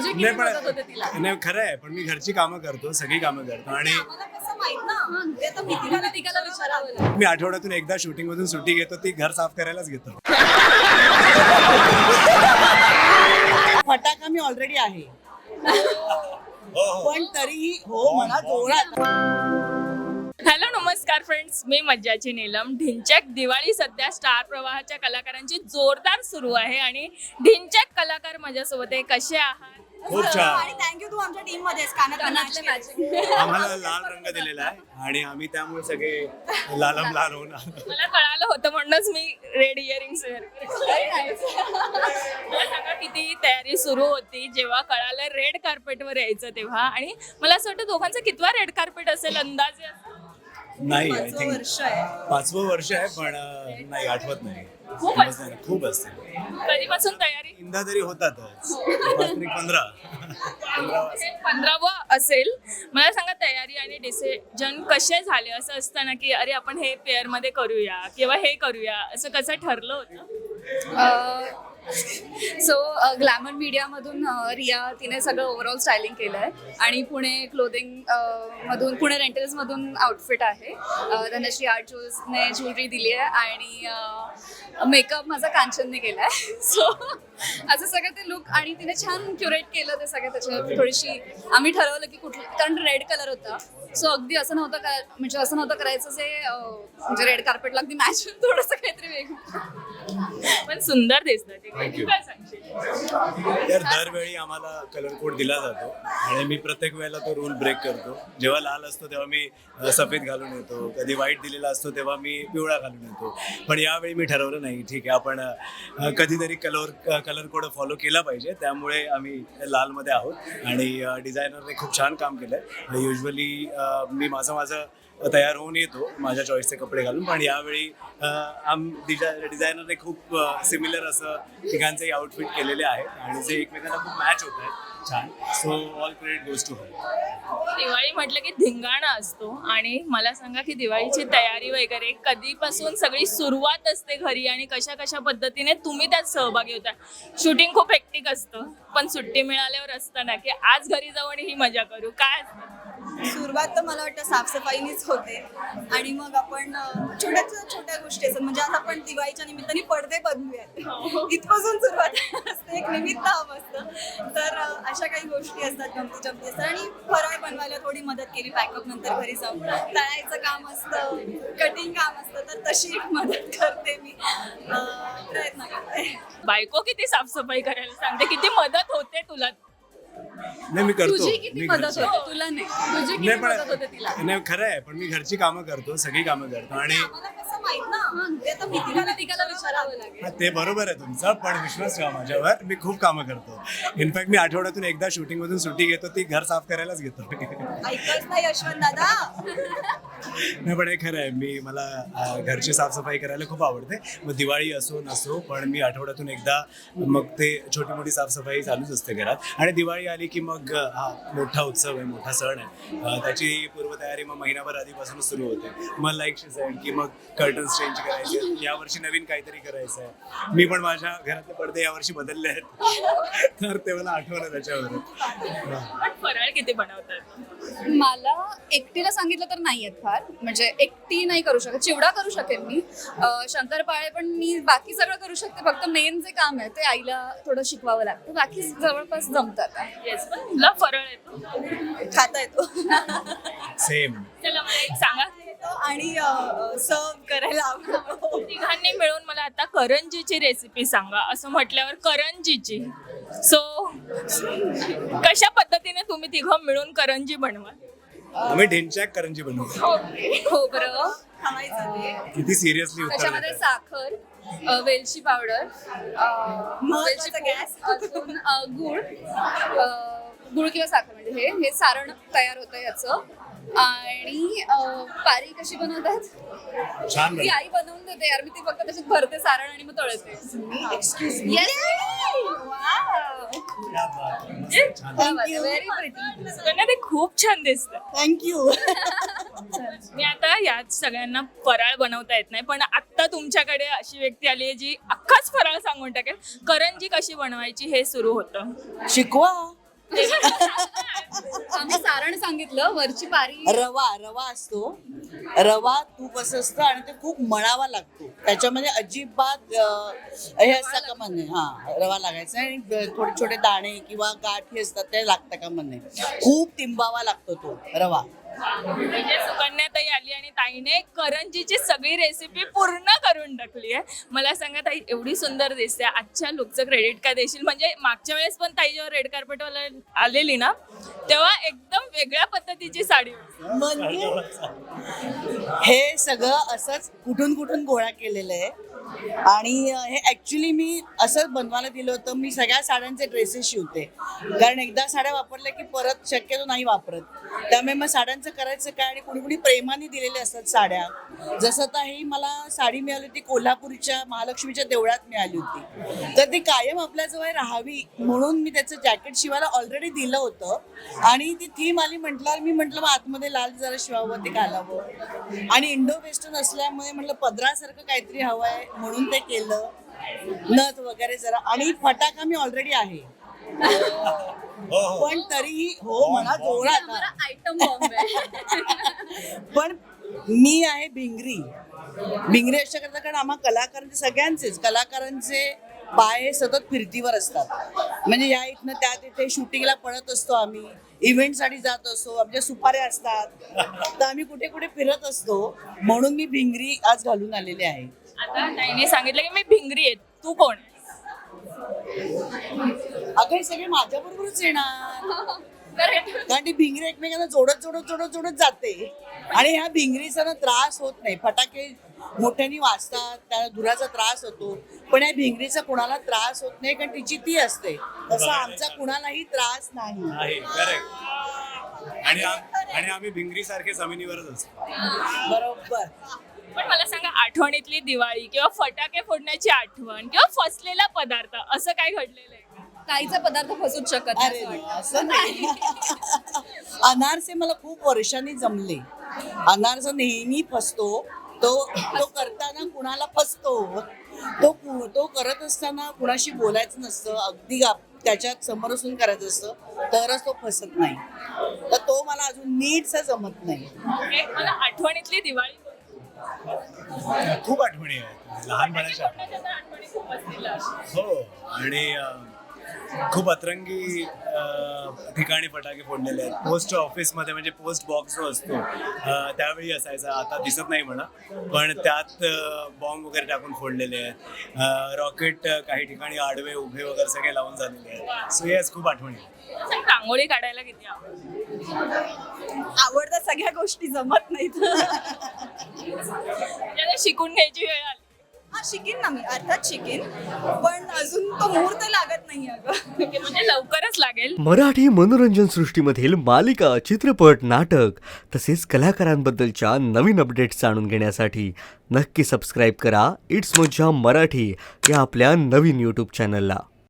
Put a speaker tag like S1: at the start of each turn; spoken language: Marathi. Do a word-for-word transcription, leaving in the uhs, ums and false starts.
S1: नाही पण नाही खरं आहे, पण मी घरची कामं करतो, सगळी कामं करतो आणि मी आठवड्यातून एकदा शूटिंग मधून सुट्टी घेतो, ती घर साफ करायलाच घेतो.
S2: फटाका मी ऑलरेडी आहे पण तरीही हो मला जोरात.
S3: हॅलो नमस्कार फ्रेंड्स, मी मज्जाची नीलम. ढिंचॅक दिवाळी सध्या स्टार प्रवाहाच्या कलाकारांची जोरदार सुरू आहे आणि ढिंचॅक कलाकार माझ्यासोबत आहे. कसे आहात?
S1: खूप छान.
S4: आणि थँक्यू तू आमच्या टीम मध्ये कानातलं मॅचिंग.
S1: आम्हाला लाल रंग दिलेला आहे आणि आम्ही त्यामुळे सगळे लालम लाल होणार.
S3: मला कळालं होतं म्हणूनच मी रेड इयरिंग्स वेअर मला सांगा किती तयारी सुरू होती जेव्हा कळालं रेड कार्पेटवर यायचं तेव्हा. आणि मला असं वाटतं दोघांचा कितवा रेड कार्पेट असेल अंदाजे?
S1: नाही आय
S4: पाचवं
S1: थिंक
S4: वर्ष आहे.
S1: पाचवं वर्ष आहे पण अं, नाही आठवत नाही.
S3: खूप
S1: समजत नाही. खूप असते
S3: कधीपासून तयारी?
S1: इंदा तरी होतातच. पाच तरी पंधरा पंधरा
S3: हे पंधरावं असेल. मला सांगा तयारी आणि डिसिजन कसे झाले? असं असतं ना की अरे आपण हे पेअर मध्ये करूया किंवा हे करूया, असं कसं ठरलं होतं?
S5: सो ग्लॅमर मीडियामधून रिया तिने सगळं ओव्हरऑल स्टायलिंग केलं आहे आणि पुणे क्लोदिंग मधून पुणे रेंटल्समधून आउटफिट आहे. धनश्री आर्ट ज्वेल्सने ज्वेलरी दिली आहे आणि मेकअप माझा कांचनने केला आहे. सो असं सगळं ते लुक आणि तिने छान क्युरेट केलं ते सगळं. त्याच्यात थोडीशी आम्ही ठरवलं की कुठलं, कारण रेड कलर होता सो अगदी असं नव्हतं का म्हणजे असं नव्हतं करायचं जे म्हणजे रेड कार्पेटला अगदी मॅच थोडंसं काहीतरी वेगळं
S3: पण सुंदर दिसतं ते.
S1: Thank you.
S3: काय सांगशील?
S1: तर दरवेळी आम्हाला कलर कोड दिला जातो आणि मी प्रत्येक वेळेला तो रूल ब्रेक करतो. जेव्हा लाल असतो तेव्हा मी अ, सफेद घालून येतो, कधी व्हाईट दिलेला असतो तेव्हा मी पिवळा घालून येतो. पण यावेळी मी ठरवलं नाही, ठीक आहे आपण अ, कधीतरी कलर कलर कोड फॉलो केला पाहिजे, त्यामुळे आम्ही लालमध्ये आहोत. आणि डिझायनरने खूप छान काम केलं आहे. युजली मी माझं माझं तयार होऊन येतो माझ्या चॉईसचे कपडे घालून, पण यावेळी आम डिझायनरने खूप सिमिलर असं तिघांचेही आउटफिट केलेले आहेत आणि जे एकमेकांना खूप मॅच होत आहेत छान. So all credit goes to her.
S3: Diwali म्हटलं की धिंगाणा असतो आणि मला सांगा की दिवाळीची तयारी वगैरे कधीपासून सगळी सुरुवात असते घरी आणि कशा कशा पद्धतीने तुम्ही त्यात सहभागी होता? शूटिंग खूप हेक्टिक असतं पण सुट्टी मिळाल्यावर असतं ना की आज घरी जाऊ आणि ही मजा करू, काय असतं?
S4: सुरुवात तर मला वाटतं साफसफाईनीच होते आणि मग आपण अं, छोट्या छोट्या गोष्टी असतात. म्हणजे आज आपण दिवाळीच्या निमित्ताने पडदे बदलूयात इथपासून सुरुवात असते, एक निमित्त हवं असतं. तर अं, अशा काही गोष्टी असतात, गमती जमती असतात. आणि फराळ बनवायला थोडी मदत केली पॅकअप नंतर घरी जाऊन. तळायचं काम असतं, कटिंग काम असतं, तर तशी मदत करते मी, अं, प्रयत्न करते.
S3: बायको किती साफसफाई करायला सांगते, किती मदत होते तुला?
S1: नाही मी करतो.
S5: तुझी किती
S1: मी
S5: मदत
S1: घरची-
S5: होते तुला? नाही तुझी किती
S1: नाही
S5: मदत होते तिला?
S1: पण नाही खरं आहे, पण मी घरची कामं करतो, सगळी कामं करतो आणि
S4: आम्हाला कसं माहित ना, ते आता भीतीला
S5: तिला विचारावं लागेल.
S1: हा, ते बरोबर आहे तुमचं, पण विश्वास ठेवा माझ्यावर, मी खूप कामं करतो. इनफॅक्ट मी आठवड्यातून एकदा शूटिंग मधून सुट्टी घेतो, ती घर साफ करायलाच घेतो.
S4: ऐकत नाही यशवंत दादा.
S1: नाही पण हे खरं आहे, मी मला अ, घरची साफसफाई करायला खूप आवडते. मग दिवाळी असो नसो, पण मी आठवड्यातून एकदा मग ते छोटी मोठी साफसफाई चालूच असते घरात. आणि दिवाळी आली की मग अ, हा मोठा उत्सव आहे, मोठा सण आहे, अ, त्याची पूर्वतयारी मग महिनाभर आधीपासूनच सुरू होते. मग लाईट शिजायला की मग कर्टन्स चेंज करायचे, यावर्षी नवीन काहीतरी करायचं आहे. मी पण माझ्या घरातले पडदे यावर्षी बदलले आहेत तर ते मला आठवलं त्याच्यावर.
S3: पण फराळ किती बनवतात?
S5: मला एकटीला सांगितलं तर नाही येत फार, म्हणजे एकटी नाही करू शकत. चिवडा करू शकेल मी, अं, शंकरपाळे पण मी बाकी सगळं करू शकते. फक्त मेन जे काम आहे ते आईला थोडं शिकवावं लागतं, बाकी जवळपास जमतात.
S3: येस, पण तुला फराळ येतो?
S4: खाता येतो
S1: सेम.
S3: चला मला एक सांगा.
S4: आणि सर्व करायला आवडतो.
S3: तिघांनी मिळून मला आता करंजीची रेसिपी सांगा. असं म्हटल्यावर करंजीची, सो कशा पद्धतीने तुम्ही तिघं मिळून करंजी बनवा?
S1: आम्ही ढिंचॅक करंजी बनवतो.
S5: खोबरं,
S4: थांबायचं ते.
S1: किती सिरियसली उत्तर
S5: त्याच्यामध्ये
S1: देताय.
S5: साखर, अ, वेलची पावडर, अ, वेलची
S4: महत्वाचा गॅस.
S5: पूड, अजून अ, गुळ, अ, गुळ किंवा साखर, म्हणजे हे हे सारण तयार होतं याचं. आणि अ, पारी कशी बनवतात
S1: छान
S5: ती
S1: बनवतो.
S5: आई बनवून देते यार, मी ती फक्त त्याच्यात भरते सारण आणि मग तळते.
S4: Excuse me.
S5: Yes.
S1: क्या बात आहे. मस्त, छान.
S5: Very pretty.
S3: सगळ्यांना ते खूप छान दिसतं.
S4: थँक्यू.
S3: मी आता याच सगळ्यांना फराळ बनवता येत नाही, पण आत्ता तुमच्याकडे अशी व्यक्ती आली आहे जी अख्खाच फराळ सांगून टाकेल. करंजी कशी बनवायची हे सुरू होतं.
S2: शिकवा.
S5: आम्ही सारण सांगितलं, वरची पारी
S2: रवा रवा असतो, रवा तूप असं असतं आणि ते खूप मळावा लागतो. त्याच्यामध्ये अजिबात अं, हे असतं का म्हणे, हा रवा लागायचा आणि थोडे छोटे दाणे किंवा गाठी असतात ते लागतं का म्हणे. खूप तिंबावा लागतो तो रवा.
S3: म्हणजे सुकन्याताई आली आणि ताईने करंजीची सगळी रेसिपी पूर्ण करून टाकली आहे. मला सांगा ताई, एवढी सुंदर दिसते, आजच्या लुकचं क्रेडिट काय देशील? म्हणजे मागच्या वेळेस पण ताई जेव्हा रेड कार्पेटवाला आलेली ना, तेव्हा एकदम वेगळ्या पद्धतीची साडी होती.
S2: म्हणजे हे सगळं असंच कुठून कुठून गोळा केलेलं आहे आणि हे ऍक्च्युली मी असं बनवायला दिलं होतं. मी सगळ्या साड्यांचे ड्रेसेस शिवते, कारण एकदा साड्या वापरल्या की परत शक्यतो नाही वापरत. त्यामुळे मग साड्यांचं करायचं काय, आणि कुणी कुणी प्रेमाने दिलेले असतात साड्या. जसं आता ही मला साडी मिळाली होती कोल्हापूरच्या महालक्ष्मीच्या देवळात मिळाली होती, तर ती कायम आपल्याजवळ राहावी म्हणून मी त्याचं जॅकेट शिवायला ऑलरेडी दिलं होतं. आणि ती थीम आली म्हटल्यावर मी म्हटलं मग आतमध्ये लाल जरा शिवावं, ते घालावं. आणि इंडो वेस्टर्न असल्यामुळे म्हटलं पदरासारखं काहीतरी हवं आहे म्हणून ते केलं, नथ वगैरे जरा. आणि फटाका मी ऑलरेडी आहे, पण तरीही हो म्हणा जोरात.
S5: आयटम बॉम्ब आहे.
S2: पण मी आहे भिंगरी. भिंगरी अशा करता, कारण आम्हा कलाकारांचे सगळ्यांचेच कलाकारांचे पाय हे सतत फिरतीवर असतात. म्हणजे या इथनं त्या तिथे शूटिंगला पळत असतो आम्ही, इव्हेंटसाठी जात असतो, आमच्या सुपाऱ्या असतात, तर आम्ही कुठे कुठे फिरत असतो. म्हणून मी भिंगरी आज घालून आलेली आहे.
S3: आता ताईने सांगितलं की मी भिंगरी आहे, तू कोण आहे?
S2: अगं हे सगळे माझ्या बरोबरच येणार, कारण ती भिंगरी एकमेकांना जोडत जोडत जोडत जोडत जाते. आणि ह्या भिंगरीचा ना त्रास होत नाही. फटाके मोठ्याने वाजतात, त्याला धुराचा त्रास होतो, पण या भिंगरीचा कुणाला त्रास होत नाही, कारण तिची ती असते. तसा आमचा कुणालाही त्रास नाही.
S1: आहे करेक्ट. आणि आम- आणि आम्ही भिंगरी सारखे जमिनीवरच असतो.
S2: बरोबर.
S3: पण मला सांगा, आठवणीतली दिवाळी किंवा फटाके फोडण्याची आठवण किंवा फसलेला पदार्थ असं काय घडलेलं आहे?
S5: काहीचा पदार्थ फसूच शकत नाही
S2: अरे
S5: असं
S2: नाही,
S5: वाटतं.
S2: असं नाही. अनारसे मला खूप वर्षांनी जमले. अनारसा नेहमी फसतो. तो तो करताना कुणाला फसतो, तो कु- तो करत असताना कुणाशी बोलायचं नसतं, अगदी गा- त्याच्यात समोर असून करायचं असतं, तरच तो फसत नाही. तर तो मला अजून नीटसा जमत नाही.
S3: ओके, मला आठवणीतली दिवाळी
S1: खूप आठवणी आहेत लहानपणाच्या.
S3: फोडण्याच्या तर आठवणी खूप असतील.
S1: हो, आणि अं, खूप अतरंगी अं, ठिकाणी फटाके फोडलेले आहेत. पोस्ट ऑफिसमध्ये, म्हणजे पोस्ट बॉक्स जो असतो अं, त्यावेळी असायचा, आता दिसत नाही म्हणा, पण त्यात बॉम्ब वगैरे टाकून फोडलेले आहेत. रॉकेट काही ठिकाणी आडवे उभे वगैरे सगळे लावून झालेले आहेत. सो येस, खूप आठवणी आहेत.
S3: मला सांग, रांगोळी काढायला किती आवडतं?
S4: आवडतात सगळ्या गोष्टी, जमत नाहीत.
S3: म्हणजे शिकून घ्यायची वेळ आली.
S4: हा शिकेन ना मी, अर्थात शिकेन, पण अजून तो मुहूर्त लागत नाही अगं.
S3: ओके, म्हणजे लवकरच लागेल.
S6: मराठी मनोरंजन सृष्टीमधील मालिका, चित्रपट, नाटक तसेच कलाकारांबद्दलच्या नवीन अपडेट्स जाणून घेण्यासाठी नक्की सबस्क्राईब करा इट्स मज्जा मराठी या आपल्या नवीन यूट्यूब चॅनलला.